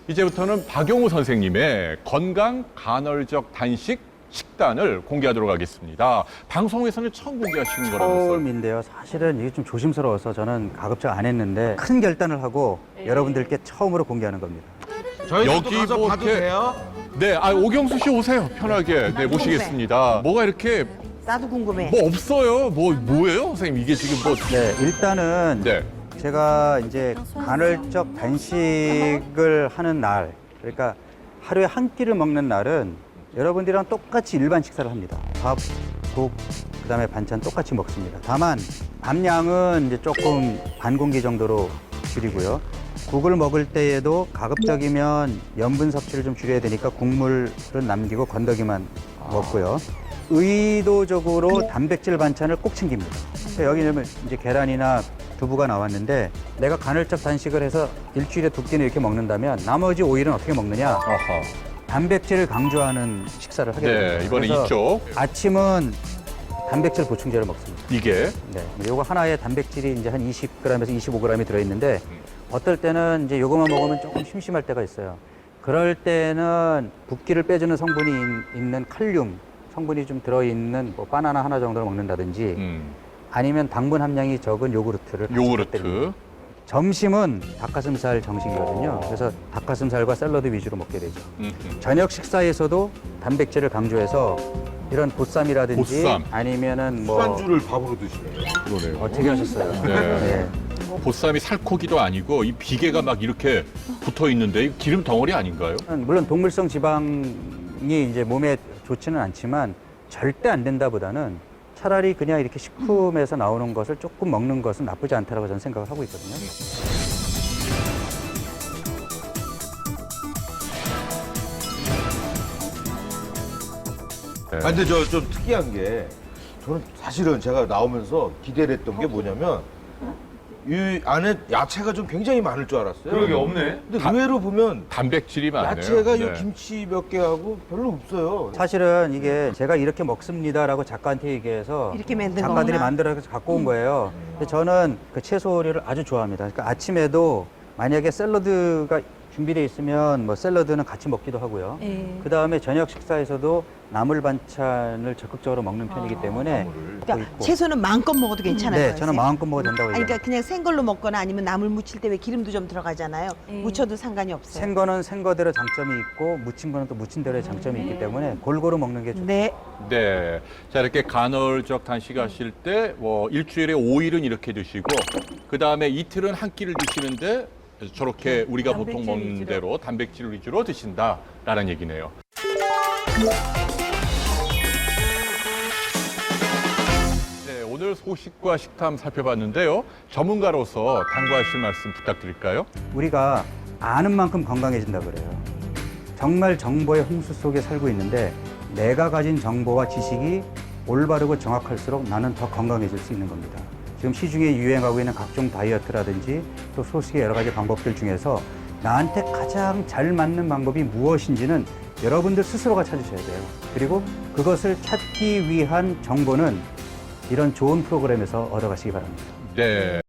이제부터는 박용우 선생님의 건강 간헐적 단식 식단을 공개하도록 하겠습니다. 방송에서는 처음 공개하시는 거라면서요? 처음인데요. 사실은 이게 좀 조심스러워서 저는 가급적 안 했는데 큰 결단을 하고 여러분들께 처음으로 공개하는 겁니다. 저희도 가서 뭐 봐도 이렇게- 돼요? 네, 오경수 씨 오세요. 편하게. 네, 모시겠습니다. 뭐가 이렇게 나도 궁금해. 뭐 없어요? 뭐예요, 선생님? 이게 지금 뭐? 네, 일단은 네. 제가 이제 간헐적 단식을 하는 날, 그러니까 하루에 한 끼를 먹는 날은 여러분들이랑 똑같이 일반 식사를 합니다. 밥, 국, 그다음에 반찬 똑같이 먹습니다. 다만 밥량은 이제 조금 반 공기 정도로 줄이고요. 국을 먹을 때에도 가급적이면 염분 섭취를 좀 줄여야 되니까 국물은 남기고 건더기만 먹고요. 의도적으로 단백질 반찬을 꼭 챙깁니다. 여기는 이제 계란이나 두부가 나왔는데 내가 간헐적 단식을 해서 일주일에 2끼는 이렇게 먹는다면 나머지 5일은 어떻게 먹느냐? 아하. 단백질을 강조하는 식사를 하게 됩니다. 네, 이번에 그래서 이쪽. 아침은 단백질 보충제를 먹습니다. 이게. 네, 요거 하나에 단백질이 이제 한 20g에서 25g이 들어있는데 어떨 때는 이제 요거만 먹으면 조금 심심할 때가 있어요. 그럴 때는 붓기를 빼주는 성분이 있는 칼륨 성분이 좀 들어있는 뭐 바나나 하나 정도를 먹는다든지 아니면 당분 함량이 적은 요구르트를 같이 요구르트. 곁들입니다. 점심은 닭가슴살 정식이거든요. 그래서 닭가슴살과 샐러드 위주로 먹게 되죠. 저녁 식사에서도 단백질을 강조해서 이런 보쌈이라든지 보쌈. 아니면은 뭐 술안주를 밥으로 드시네요. 그러네요. 어떻게 하셨어요? 네. 보쌈이 살코기도 아니고 이 비계가 막 이렇게 붙어 있는데 이 기름 덩어리 아닌가요? 물론 동물성 지방이 이제 몸에 좋지는 않지만 절대 안 된다보다는 차라리 그냥 이렇게 식품에서 나오는 것을 조금 먹는 것은 나쁘지 않다라고 저는 생각을 하고 있거든요. 네. 근데 저 좀 특이한 게 저는 사실은 제가 나오면서 기대를 했던 게 뭐냐면 이 안에 야채가 좀 굉장히 많을 줄 알았어요. 그러게 없네. 근데 의외로 보면 단백질이 많네요. 야채가 이 네. 김치 몇 개 하고 별로 없어요. 사실은 이게 제가 이렇게 먹습니다라고 작가한테 얘기해서 이렇게 만든 작가들이 거구나. 만들어서 갖고 온 거예요. 근데 저는 그 채소 요리를 아주 좋아합니다. 그러니까 아침에도 만약에 샐러드가 준비되어 있으면 뭐 샐러드는 같이 먹기도 하고요. 예. 그 다음에 저녁 식사에서도 나물 반찬을 적극적으로 먹는 편이기 때문에 먹고 그러니까 있고. 채소는 마음껏 먹어도 괜찮아요. 네, 저는 마음껏 먹어도 된다고 아니, 얘기합니다. 그러니까 그냥 생걸로 먹거나 아니면 나물 무칠 때 왜 기름도 좀 들어가잖아요. 무쳐도 상관이 없어요. 생거는 생거대로 장점이 있고 무친 거는 또 무친 대로의 장점이 있기 때문에 골고루 먹는 게 좋죠. 네. 네. 자, 이렇게 간헐적 단식하실 때 뭐 일주일에 5일은 이렇게 드시고 그다음에 이틀은 한 끼를 드시는데 저렇게 우리가 보통 먹는 대로 단백질 위주로 드신다라는 얘기네요. 네, 오늘 소식과 식탐 살펴봤는데요. 전문가로서 당부하실 말씀 부탁드릴까요? 우리가 아는 만큼 건강해진다 그래요. 정말 정보의 홍수 속에 살고 있는데 내가 가진 정보와 지식이 올바르고 정확할수록 나는 더 건강해질 수 있는 겁니다. 지금 시중에 유행하고 있는 각종 다이어트라든지 또 소식의 여러 가지 방법들 중에서 나한테 가장 잘 맞는 방법이 무엇인지는 여러분들 스스로가 찾으셔야 돼요. 그리고 그것을 찾기 위한 정보는 이런 좋은 프로그램에서 얻어가시기 바랍니다. 네.